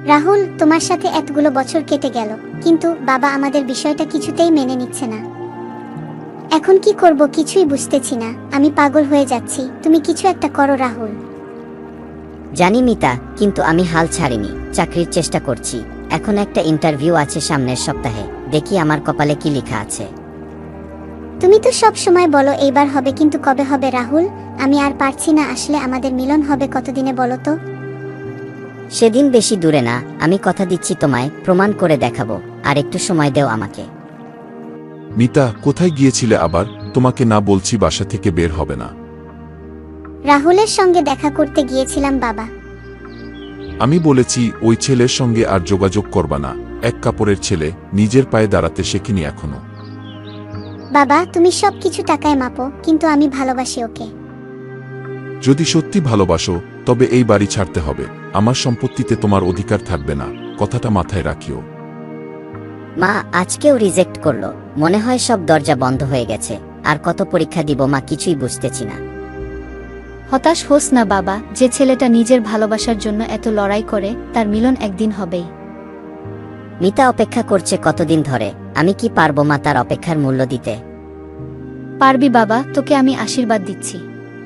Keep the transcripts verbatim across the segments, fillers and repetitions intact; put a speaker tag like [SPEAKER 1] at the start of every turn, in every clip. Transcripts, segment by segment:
[SPEAKER 1] রাহুল, তোমার সাথে এতগুলো বছর কেটে গেল, কিন্তু বাবা আমাদের বিষয়টা কিছুতেই মেনে নিচ্ছে না। এখন কি করব কিছুই বুঝতেছি না। আমি পাগল হয়ে যাচ্ছি। তুমি কিছু একটা করো রাহুল।
[SPEAKER 2] জানি মিতা, কিন্তু আমি হাল ছাড়িনি। চাকরির চেষ্টা করছি। এখন একটা ইন্টারভিউ আছে সামনের সপ্তাহে, দেখি আমার কপালে কি লেখা আছে।
[SPEAKER 1] তুমি তো সব সময় বলো এইবার হবে, কিন্তু কবে হবে রাহুল? আমি আর পারছি না। আসলে আমাদের মিলন হবে কতদিনে বলো তো?
[SPEAKER 2] সেদিন বেশি দূরে না, আমি কথা দিচ্ছি তোমায় প্রমাণ করে দেখাবো। আর একটু সময় দেও আমাকে।
[SPEAKER 3] মিতা, কোথায় গিয়েছিলে আবার? তোমাকে না বলছি বাসা থেকে বের হবে না।
[SPEAKER 1] রাহুলের সঙ্গে দেখা করতে গিয়েছিলাম বাবা।
[SPEAKER 3] আমি বলেছি ওই ছেলের সঙ্গে আর যোগাযোগ করবা না। এক কাপড়ের ছেলে, নিজের পায়ে দাঁড়াতে শেখেনি এখনো।
[SPEAKER 1] বাবা, তুমি সব কিছু টাকায় মাপো, কিন্তু আমি ভালোবাসি ওকে।
[SPEAKER 3] যদি সত্যি ভালোবাসো তবে এই বাড়ি ছাড়তে হবে। আমার সম্পত্তিতে তোমার অধিকার থাকবে না, কথাটা মাথায় রাখিও।
[SPEAKER 2] মা আজকেও রিজেক্ট করলো। মনে হয় সব দরজা বন্ধ হয়ে গেছে। আর কত পরীক্ষা দিব মা, কিছুই বুঝতেছি না।
[SPEAKER 4] হতাশ হোস না বাবা, যে ছেলেটা নিজের ভালোবাসার জন্য এত লড়াই করে তার মিলন একদিন হবেই।
[SPEAKER 2] মিতা অপেক্ষা করছে কতদিন ধরে। আমি কি পারবো মা তার অপেক্ষার মূল্য দিতে?
[SPEAKER 4] পারবি বাবা, তোকে আমি আশীর্বাদ দিচ্ছি।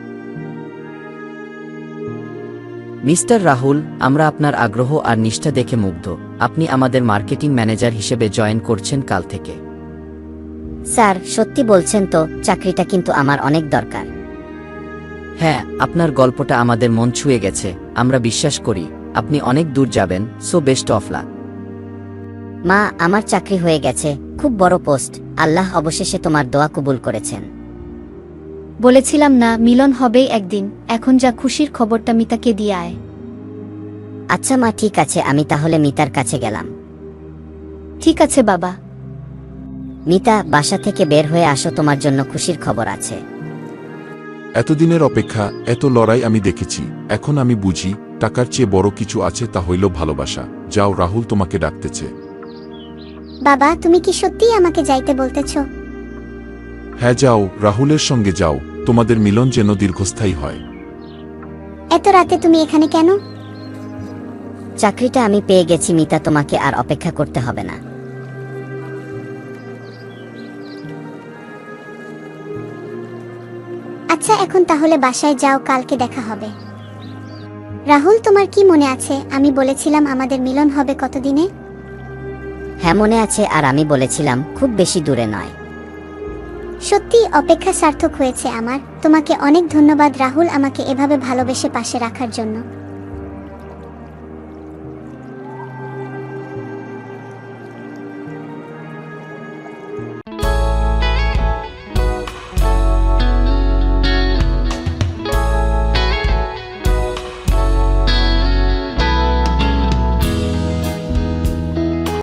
[SPEAKER 5] মিস্টার রাহুল, আমরা আপনার আগ্রহ আর নিষ্ঠা দেখে মুগ্ধ। আপনি আমাদের মার্কেটিং ম্যানেজার হিসেবে জয়েন করছেন কাল থেকে।
[SPEAKER 2] স্যার সত্যি বলছেন তো? চাকরিটা কিন্তু আমার অনেক দরকার।
[SPEAKER 5] হ্যাঁ, আপনার গল্পটা আমাদের মন ছুঁয়ে গেছে। আমরা বিশ্বাস করি আপনি অনেক দূর যাবেন। So best of luck.
[SPEAKER 2] মা, আমার চাকরি হয়ে গেছে, খুব বড় পোস্ট। আল্লাহ অবশেষে তোমার দোয়া কবুল করেছেন।
[SPEAKER 4] বলেছিলাম না মিলন হবেই একদিন। এখন যা খুশির খবরটা মিতাকে দিয়ে আয়।
[SPEAKER 2] আচ্ছা মা, ঠিক আছে, আমি তাহলে মিতার কাছে গেলাম।
[SPEAKER 4] ঠিক আছে বাবা।
[SPEAKER 2] মিতা, বাসা থেকে বের হয়ে আসো, তোমার জন্য খুশির খবর আছে।
[SPEAKER 3] এতদিনের অপেক্ষা, এত লড়াই আমি দেখেছি। এখন আমি বুঝি টাকার চেয়ে বড় কিছু আছে, তা হইল ভালোবাসা। যাও, রাহুল তোমাকে ডাকতেছে।
[SPEAKER 1] বাবা, তুমি কি সত্যিই আমাকে যাইতে বলতেছ?
[SPEAKER 3] হ্যাঁ যাও, রাহুলের সঙ্গে যাও। তোমাদের মিলন যেন দীর্ঘস্থায়ী হয়।
[SPEAKER 1] এত রাতে তুমি এখানে কেন?
[SPEAKER 2] চাকরিটা আমি পেয়ে গেছি মিতা, তোমাকে আর অপেক্ষা করতে হবে না।
[SPEAKER 1] আচ্ছা, এখন তাহলে বাসায় যাও, কালকে দেখা হবে। রাহুল, তোমার কি মনে আছে আমি বলেছিলাম আমাদের মিলন হবে কতদিনে?
[SPEAKER 2] হ্যাঁ মনে আছে, আর আমি বলেছিলাম খুব বেশি দূরে নয়।
[SPEAKER 1] সত্যি অপেক্ষা সার্থক হয়েছে আমার। তোমাকে অনেক ধন্যবাদ রাহুল, আমাকে এভাবে ভালোবেসে পাশে রাখার জন্য।